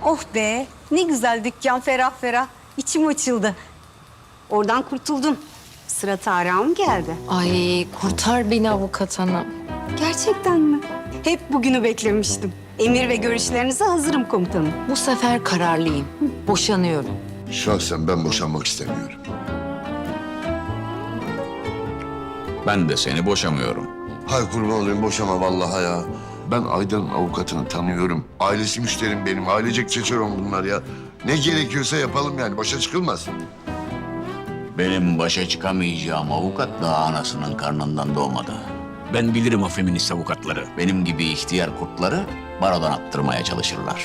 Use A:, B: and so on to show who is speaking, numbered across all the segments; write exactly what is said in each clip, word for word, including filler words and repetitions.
A: Oh be, ne güzel dükkan, ferah ferah. İçim açıldı. Oradan kurtuldun. Sıra Tarık'a mı geldi?
B: Ay kurtar beni avukat hanım.
A: Gerçekten mi? Hep bugünü beklemiştim. Emir ve görüşlerinize hazırım komutanım.
B: Bu sefer kararlıyım. Boşanıyorum.
C: Şahsen ben boşanmak istemiyorum.
D: Ben de seni boşamıyorum.
C: Hay kurban olayım boşama vallahi ya. Ben Aydan'ın avukatını tanıyorum. Ailesi müşterim benim. Ailecek çeçeron bunlar ya. Ne gerekiyorsa yapalım yani. Başa çıkılmaz.
D: Benim başa çıkamayacağım avukat daha anasının karnından doğmadı. Ben bilirim o feminist avukatları. Benim gibi ihtiyar kurtları barodan attırmaya çalışırlar.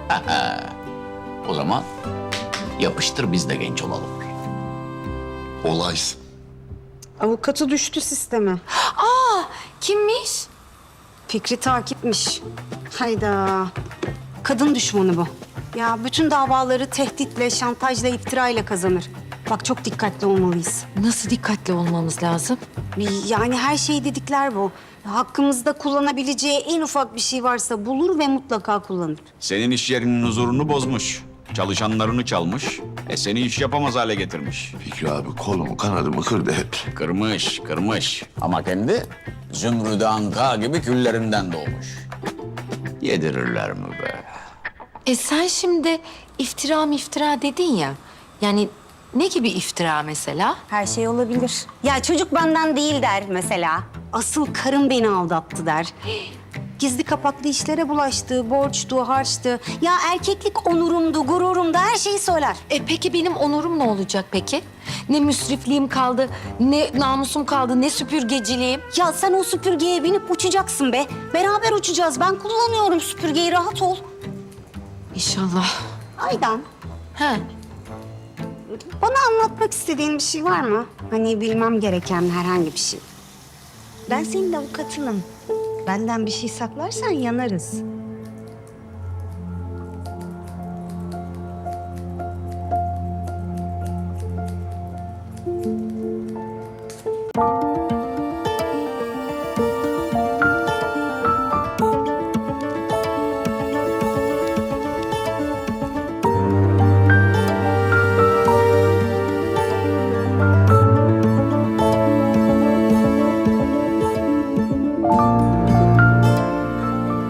D: O zaman yapıştır biz de genç olalım.
C: Olaysın.
A: Avukatı düştü sisteme.
B: Kimmiş?
A: Fikri takipmiş. Hayda. Kadın düşmanı bu. Ya bütün davaları tehditle, şantajla, iftirayla kazanır. Bak çok dikkatli olmalıyız.
B: Nasıl dikkatli olmamız lazım?
A: Yani her şeyi dedikler bu. Hakkımızda kullanabileceği en ufak bir şey varsa bulur ve mutlaka kullanır.
D: Senin iş yerinin huzurunu bozmuş. Çalışanlarını çalmış. E seni iş yapamaz hale getirmiş.
C: Fikri abi kolumu kanadımı kırdı hep.
D: Kırmış, kırmış. Ama kendi zümrüdü anka gibi küllerinden doğmuş. Yedirirler mi be?
B: E sen şimdi iftira iftira dedin ya. Yani ne gibi iftira mesela?
A: Her şey olabilir. Ya çocuk benden değil der mesela. Asıl karım beni aldattı der. Gizli kapaklı işlere bulaştı, borçtu, harçtı. Ya erkeklik onurumdu, gururumdu, her şeyi söyler.
B: E peki benim onurum ne olacak peki? Ne müsrifliğim kaldı, ne namusum kaldı, ne süpürgeciliğim.
A: Ya sen o süpürgeye binip uçacaksın be. Beraber uçacağız. Ben kullanıyorum süpürgeyi, rahat ol.
B: İnşallah.
A: Aydan,
B: He.
A: bana anlatmak istediğin bir şey var mı? Hani bilmem gereken herhangi bir şey. Ben senin avukatınım. Benden bir şey saklarsan yanarız.